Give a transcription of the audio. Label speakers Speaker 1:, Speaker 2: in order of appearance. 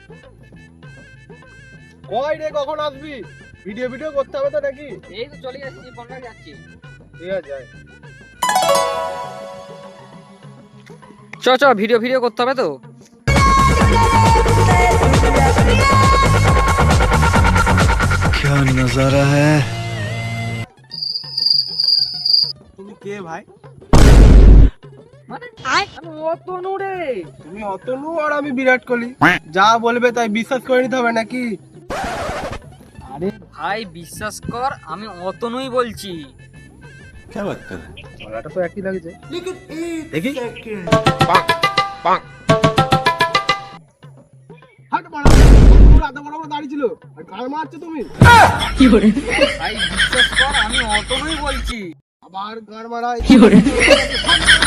Speaker 1: কই রে, কখন আসবি? ভিডিও করতে হবে তো নাকি?
Speaker 2: এই তো চলে যাচ্ছি, বন্ধ যাচ্ছি।
Speaker 1: ঠিক আছে যাই।
Speaker 2: চ ভিডিও করতে হবে তো।
Speaker 3: क्या नजारा है।
Speaker 1: তুমি কে ভাই?
Speaker 2: মানে আমি অতনু রে।
Speaker 1: তুমি অতনু আর আমি বিরাট কোহলি। যা বলবে তাই বিশ্বাস করে নিতে হবে নাকি?
Speaker 2: আরে ভাই বিশ্বাস কর, আমি অতনুই বলছি।
Speaker 3: क्या बात कर रहे हैं।
Speaker 1: গলাটা তো একই লাগছে। দেখি হাট মারা, তোর আধা বড় বড় দাড়ি ছিল আর গাল মারছো তুমি।
Speaker 2: ভাই বিশ্বাস কর, আমি অতনুই বলছি।
Speaker 1: আবার গাল মারা।